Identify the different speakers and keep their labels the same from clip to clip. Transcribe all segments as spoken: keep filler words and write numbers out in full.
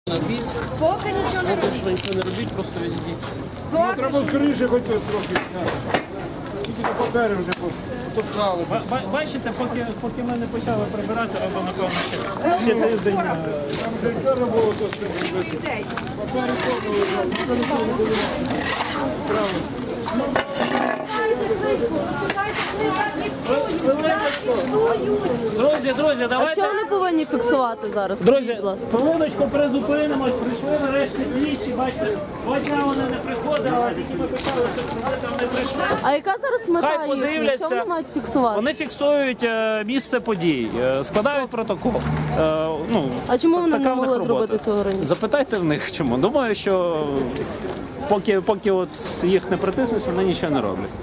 Speaker 1: Поки нічого не робіть.
Speaker 2: Що нічого не робіть, просто відійдіть.
Speaker 3: Ну, треба скоріше хоч трохи. Тільки на папери вже потоптали.
Speaker 4: Бачите, поки, поки ми не почали прибирати, або напевно ще, ще тиждень.
Speaker 3: Там вже вчора було то, що робити. Папери повно лежали.
Speaker 4: Друзі, друзі,
Speaker 5: А
Speaker 4: давайте.
Speaker 5: що вони повинні фіксувати зараз?
Speaker 4: Друзі,
Speaker 5: Будь ласка.
Speaker 4: хвилиночку призупинимось, прийшли нарешті слідчі, бачите, два дня вони не приходили, а тільки ми питали, що зробити, вони прийшли.
Speaker 5: А яка зараз мета
Speaker 4: Хай
Speaker 5: їхня?
Speaker 4: подивляться.
Speaker 5: Що вони мають фіксувати?
Speaker 4: Вони фіксують е, місце подій, е, складають протокол. Е, ну,
Speaker 5: А чому вони
Speaker 4: така
Speaker 5: не
Speaker 4: в них
Speaker 5: могли
Speaker 4: робота.
Speaker 5: зробити цього раніше?
Speaker 4: Запитайте в них чому. Думаю, що поки, поки от їх не притиснеш, вони нічого не роблять.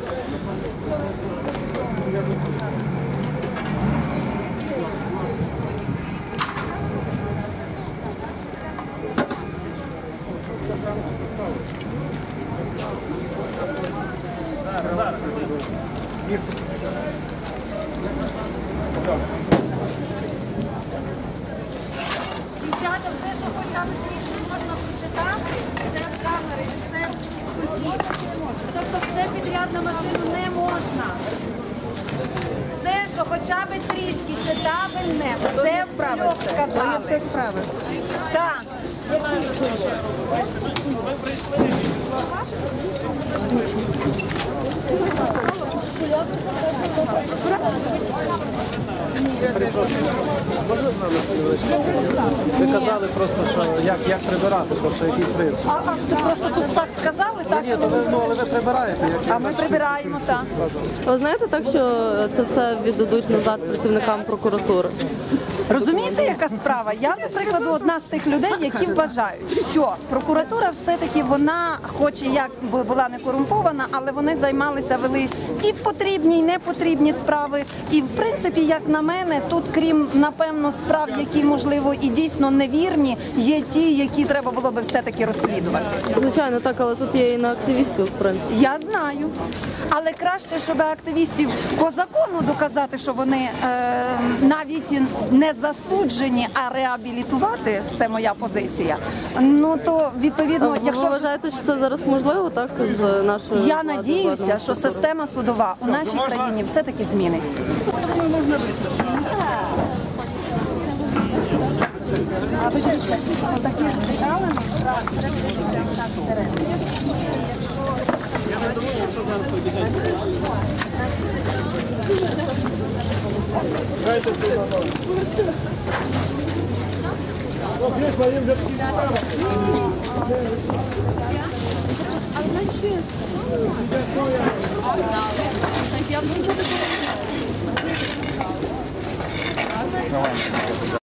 Speaker 1: Дівчата, все, що хоча б трішки можна прочитати, це в камери, це в пульті. Тобто все підряд на машину не можна. Все, що хоча б трішки читабельне, все в трьох сказали. Все справи. Так.
Speaker 2: Ви казали просто, що як, як прибирати, тобто якийсь принцип.
Speaker 1: А, а ти просто тут так сказали, так?
Speaker 2: Ні, то ви, ну, але ви прибираєте. Як...
Speaker 1: А ми прибираємо, так.
Speaker 5: Ви знаєте так, що це все віддадуть назад працівникам прокуратури?
Speaker 1: Розумієте, яка справа? Я, наприклад, одна з тих людей, які вважають, що прокуратура все-таки вона, хоч і як була не корумпована, але вони займалися, вели і потрібні, і непотрібні справи. І, в принципі, як на мене, тут, крім, напевно, справ, які, можливо, і дійсно невірні, є ті, які треба було би все-таки розслідувати.
Speaker 5: Звичайно, так, але тут є і на активістів, в принципі.
Speaker 1: Я знаю. Але краще, щоб активістів по закону доказати, що вони е, навіть не засуджені, а реабілітувати, це моя позиція. Ну то відповідно,
Speaker 5: Ви
Speaker 1: якщо
Speaker 5: вважаєте, що це зараз можливо, так, з нашою
Speaker 1: я
Speaker 5: владою,
Speaker 1: надіюся,
Speaker 5: владою?
Speaker 1: що система судова у нашій країні все-таки зміниться. А ви такі зрікали?
Speaker 3: Але чесно.